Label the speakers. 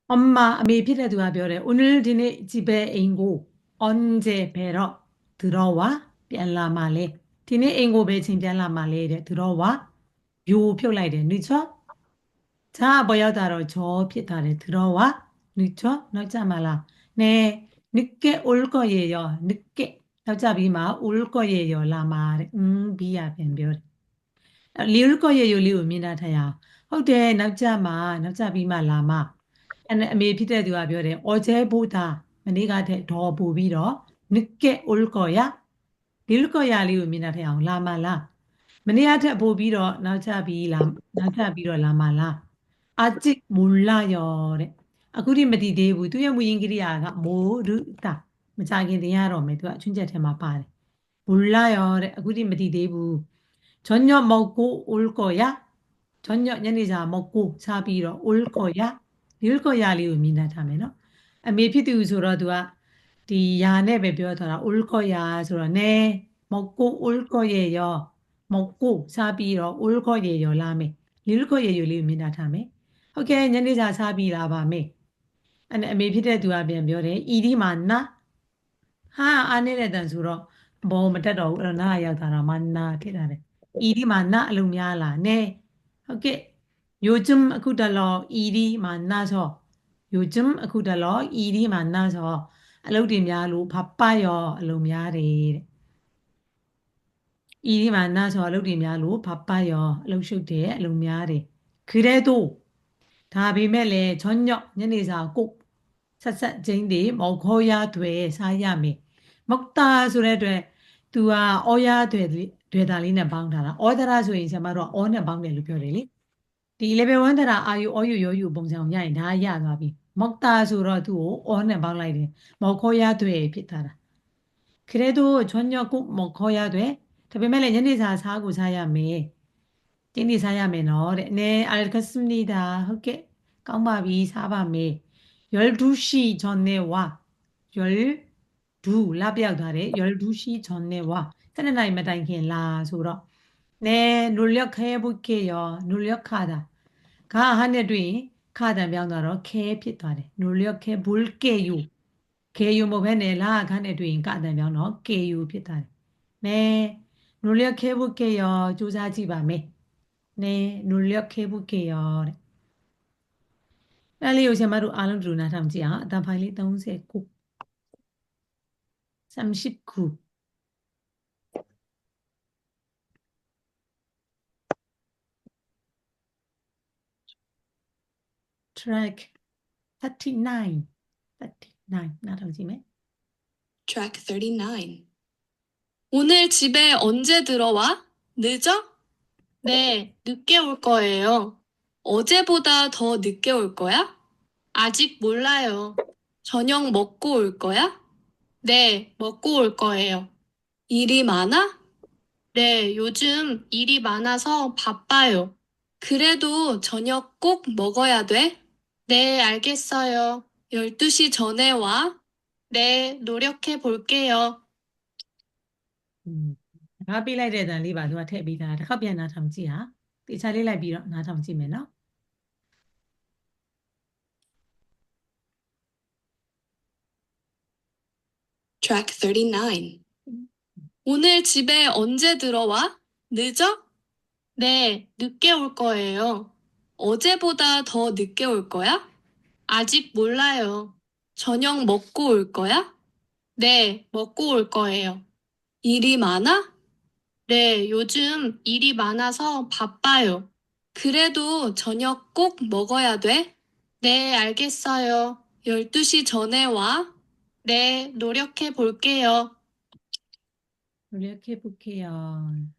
Speaker 1: 엄마, 아미 피레두가 별에 오늘 디네 집에 앵고 언제 뵈러 들어와? 뺨라 말래. 디네 앵고 배친 뺨라 말래. 들어와? 요 표라이래. 늦죠? 자, 뭐야다로 저 피타래. 들어와? 늦죠? 늦자 말라. 네, 늦게 올 거예요. 늦게. 늦자 비마 올 거예요. 라마래. 비야 뱀별. 리올 거예요. 리오 미나타야.ဟုတ်တယ် နောက်ကြပြီးမှလာမအမေဖြစ်တဲ့သူကပြောတယ်어제보다မနေ့ကထက်တော့ပို့ပြီးတော့늦게 올 거야 리올 거야လေးကိုမြင်တာထက်အောင်လာမလားမနေ့ကထက်ပို့ပြီးတော့နောက်ကြပြီးတော့လာမလား아직 몰라요တဲ့အခုထိမတည်သေးဘူးသူရဲ့မူရင်းကိရိယာက모르다မကြခင်တင်ရတော့မယ်သူကအချွင်းချက်ထဲမှာပါတယ်몰라요တဲ့အခုထိမတည်သေးဘူး저녁 먹고 올 거야 저녁ညနေစာ 먹고 စားပြီးတော့ 올 거야 올 거야 လေးကိုမြင်တတ်ထားမယ်နော်အမေဖြစ်သူဆိုတော့သူကဒီယာနဲ့ပဲပြောထားတာ 올 거야 ဆိုတော့ 네 먹고 올 거예요 먹고 စားပြီးတော့ 올 거예요 လာမယ် 올 거예요 လေးကိုမြင်တတ်ထားမယ်ဟုတ်ကဲ့ညနေစာစားပြီးလာပါမယ်အမေဖြစ်တဲ့သူကပြန်ပြောတယ် 이리 만나 ဟာအားနေတဲ့တန်ဆိုတော့ဘောမတက်တော့ဘူးအဲ့တော့နားရောက်တာတော့မနာဖြစ်တာတယ်이리 만나အလုံးများလား 네ဟုတ်ကဲ့요즘အခုတလော 이리 만나서 요즘အခုတလော 이리 만나서 အလုပ်တွေများလို့바빠요အလုပ်များတယ်တဲ့ 이리 만나서 အလုပ်တွေများလို့바빠요အလုပ်ရှုပ်တယ်အလုပ်များတယ် 그래도ဒါပေမဲ့လည်း 저녁 ညနေစာ꼭ဆက်ကျင်းတွေ먹어야 돼စားရမယ်먹다ဆိုတဲ့အတွက် तू ကဩရတွေတာလေးနဲ့ပေါင်းထားတာဩဒရာဆိုရင်ဆရာမတို့ကဩနဲ့ပေါင်းတယ်လို့ပြောတယ်လေဒီ level 1 ဒရာအာယူဩယူရောယူပုံစံကိုရရင်ဒါရသွားပြီ 먹다ဆိုတော့သူ့ကိုဩနဲ့ပေါင်းလိုက်တယ်먹어야 돼ဖြစ်သွားတာ 그래도 저녁 꼭 먹어야 돼ဒါပေမဲ့လည်းညနေစာစားကိုစားရမယ်တင်းနေစားရမယ်နော်တဲ့네 알겠습니다ဟုတ်ကဲ့ကောင်းပါပြီစားပါမယ် 12시 전에 와 12လပြောက်ထားတယ် 12시 전에 와 12နာရီမတိုင်ခင်လာဆိုတော့네 노력해 볼게요 노력하다 가 하는တွင်ခါတံပြောင်းသွားတော့ခဲဖြစ်သွားတယ် 노력해 볼게요 개유 뭐 배네 라 간에 두인 까다면 너 개유 피탈 네 노력해 볼게요 조사지 밤에 네 노력해 볼게요 빨리 요새 마루 알람 주나 담지야 다 파일이 39 39 track 39 39 나 담지매
Speaker 2: Track 39. 오늘 집에 언제 들어와? 늦어? 네, 늦게 올 거예요. 어제보다 더 늦게 올 거야? 아직 몰라요. 저녁 먹고 올 거야? 네, 먹고 올 거예요. 일이 많아? 네, 요즘 일이 많아서 바빠요. 그래도 저녁 꼭 먹어야 돼? 네, 알겠어요. 12시 전에 와. 네, 노력해 볼게요.
Speaker 1: ငါပြလိုက်တဲ့တန်လေးပါသူကထည့်ပေးတာတစ်ခါပြန်နားထောင်ကြည့်ဟာတေချာလေးလိုက်ပြီးတော့နားထောင်ကြည့်မယ်နော်
Speaker 2: Track 39. 오늘 집에 언제 들어와? 늦어? 네, 늦게 올 거예요. 어제보다 더 늦게 올 거야? 아직 몰라요. 저녁 먹고 올 거야? 네, 먹고 올 거예요. 일이 많아? 네, 요즘 일이 많아서 바빠요. 그래도 저녁 꼭 먹어야 돼? 네, 알겠어요. 12시 전에 와. 네, 노력해 볼게요.
Speaker 1: 노력해 볼게요